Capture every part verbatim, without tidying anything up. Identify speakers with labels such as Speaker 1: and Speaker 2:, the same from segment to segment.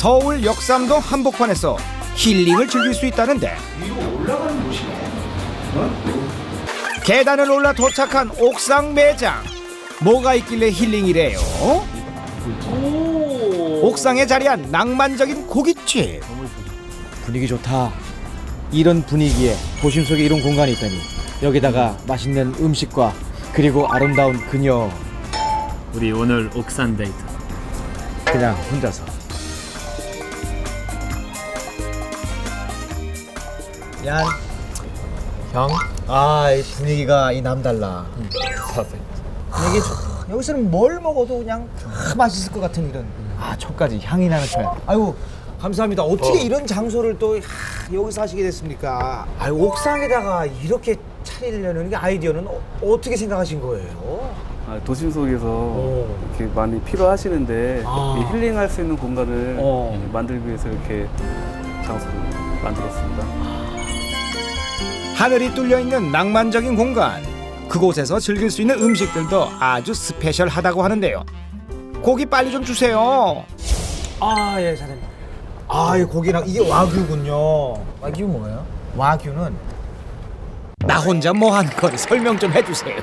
Speaker 1: 서울 역삼동 한복판에서 힐링을 즐길 수 있다는데
Speaker 2: 위로 올라가는 곳이네.
Speaker 1: 계단을 올라 도착한 옥상 매장. 뭐가 있길래 힐링이래요? 옥상에 자리한 낭만적인 고깃집.
Speaker 3: 분위기 좋다. 이런 분위기에 도심 속에 이런 공간이 있다니. 여기다가 맛있는 음식과 그리고 아름다운 그녀.
Speaker 4: 우리 오늘 옥산 데이트.
Speaker 3: 그냥 혼자서. 얀.
Speaker 4: 형?
Speaker 3: 아, 이 분위기가 이 남달라. 이게 저- 여기서는 뭘 먹어도 그냥 다 맛있을 것 같은 이런. 아, 초까지 향이 나는 초야. 아이고, 감사합니다. 어떻게
Speaker 4: 어.
Speaker 3: 이런 장소를 또 하, 여기서 하시게 됐습니까? 아유, 옥상에다가 이렇게 차리려는 게 아이디어는 어, 어떻게 생각하신 거예요?
Speaker 5: 아, 도심 속에서
Speaker 3: 오.
Speaker 5: 이렇게 많이 필요하시는데
Speaker 3: 아.
Speaker 5: 이 힐링할 수 있는 공간을
Speaker 3: 어.
Speaker 5: 만들기 위해서 이렇게 장소를 만들었습니다.
Speaker 1: 하늘이 뚫려 있는 낭만적인 공간. 그곳에서 즐길 수 있는 음식들도 아주 스페셜하다고 하는데요. 고기 빨리 좀 주세요.
Speaker 3: 아, 예, 사장님. 아, 이 고기랑 이게 와규군요. 와규 뭐예요? 와규는
Speaker 1: 나 혼자 뭐 하는 건 설명 좀 해주세요.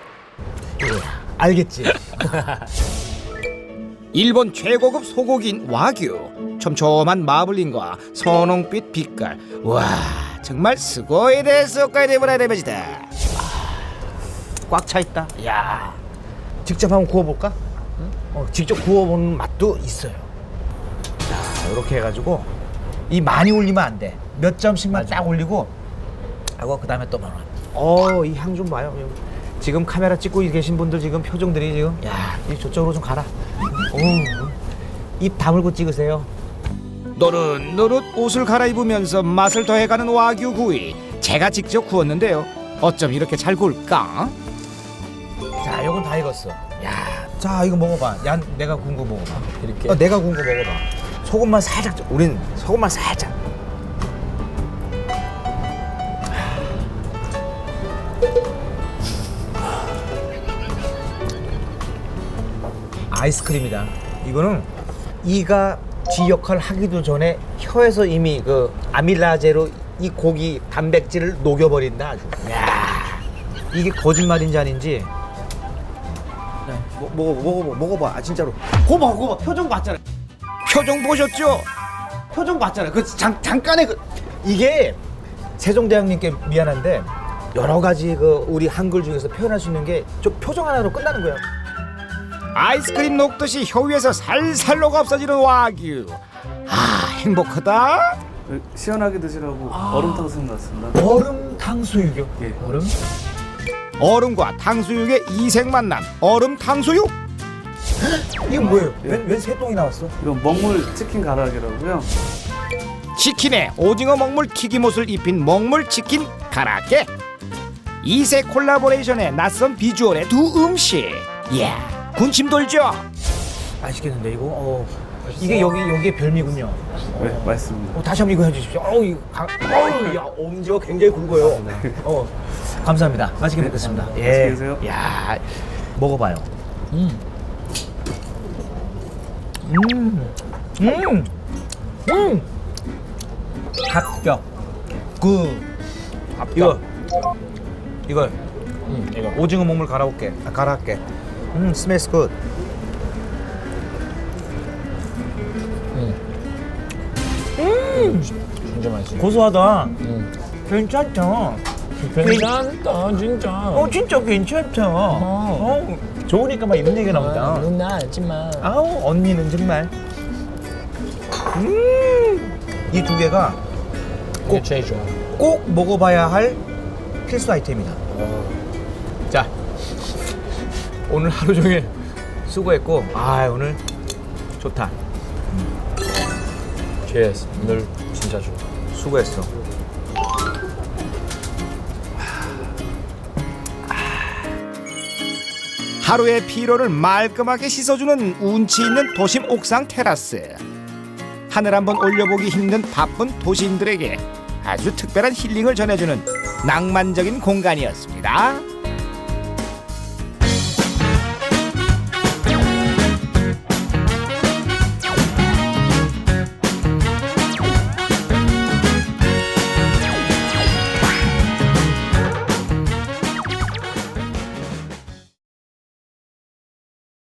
Speaker 3: 알겠지?
Speaker 1: 일본 최고급 소고기인 와규. 촘촘한 마블링과 선홍빛 빛깔. 와, 정말 스고이 데스 오카이데브라이 데베지다.
Speaker 3: 꽉 차 있다. 야, 직접 한번 구워볼까? 어, 직접 구워보는 맛도 있어요. 자, 이렇게 해가지고 이 많이 올리면 안 돼. 몇 점씩만 딱 올리고 하고 그 다음에 또 말아. 어, 이 향 좀 봐요. 지금 카메라 찍고 계신 분들 지금 표정들이 지금 야, 이 저쪽으로 좀 가라. 오, 입 다물고 찍으세요.
Speaker 1: 노릇노릇 옷을 갈아입으면서 맛을 더해가는 와규 구이. 제가 직접 구웠는데요. 어쩜 이렇게 잘 구울까?
Speaker 3: 자, 요건 다 익었어. 야, 자, 이거 먹어봐. 야, 내가 구운 거 먹어봐. 이렇게. 어, 내가 구운 거 먹어봐. 소금만 살짝. 좀- 우린 소금만 살짝. 아이스크림이다. 이거는 이가 쥐 역할 하기도 전에 혀에서 이미 그 아밀라제로 이 고기 단백질을 녹여버린다 아주. 야, 이게 거짓말인지 아닌지. 네, 먹, 먹어, 먹어, 먹어봐. 아, 진짜로. 고봐, 고봐. 표정 봤잖아.
Speaker 1: 표정 보셨죠?
Speaker 3: 표정 봤잖아. 그 잠, 잠깐의 그 이게 세종대왕님께 미안한데 여러 가지 그 우리 한글 중에서 표현할 수 있는 게 좀 표정 하나로 끝나는 거야.
Speaker 1: 아이스크림 녹듯이 혀 위에서 살살 녹아 없어지는 와규. 아, 행복하다.
Speaker 5: 시원하게 드시라고
Speaker 3: 아.
Speaker 5: 얼음탕 생각났습니다.
Speaker 3: 얼음 탕수육이요.
Speaker 5: 예.
Speaker 3: 얼음?
Speaker 1: 얼음과 탕수육의 이색 만남. 얼음 탕수육.
Speaker 3: 이건 뭐예요?
Speaker 5: 예.
Speaker 3: 웬, 웬 새똥이 나왔어?
Speaker 5: 이건 먹물 치킨 가락이라고요.
Speaker 1: 치킨에 오징어 먹물 튀김옷을 입힌 먹물 치킨 가라게. 이색 콜라보레이션의 낯선 비주얼의 두 음식. 이야, 군침 돌죠?
Speaker 3: 맛있겠는데 이거? 어. 이게 여기 여기의 별미군요.
Speaker 5: 네, 맛있습니다.
Speaker 3: 어, 다시 한번 이거 해주십시오. 어우, 이 가, 어우, 야, 엄지가 굉장히 굵어요. 어, 감사합니다. 맛있게 먹겠습니다. 예.
Speaker 5: 맛있게 드세요.
Speaker 3: 야, 먹어봐요. 음, 음, 음, 음. 합격. 그 이거 이거 음, 이거 오징어 먹물 갈아올게. 아, 갈아할게. 음, 스멜스 굿.
Speaker 4: 진짜 맛있어.
Speaker 3: 고소하다. 괜찮다.
Speaker 4: 괜찮다 진짜.
Speaker 3: 어, 진짜 괜찮다. 어. 좋으니까 막 이런 얘기가 나온다.
Speaker 4: 누나 알지마.
Speaker 3: 아우, 언니는 정말. 음, 이 두 개가
Speaker 4: 꼭 제일 좋아.
Speaker 3: 꼭 먹어봐야 할 필수 아이템이다. 자, 오늘 하루 종일 수고했고, 아, 오늘 좋다.
Speaker 4: Cheers. 오늘 진짜 좋아.
Speaker 3: 수고했어.
Speaker 1: 하루의 피로를 말끔하게 씻어주는 운치 있는 도심 옥상 테라스. 하늘 한번 올려보기 힘든 바쁜 도시인들에게 아주 특별한 힐링을 전해주는 낭만적인 공간이었습니다.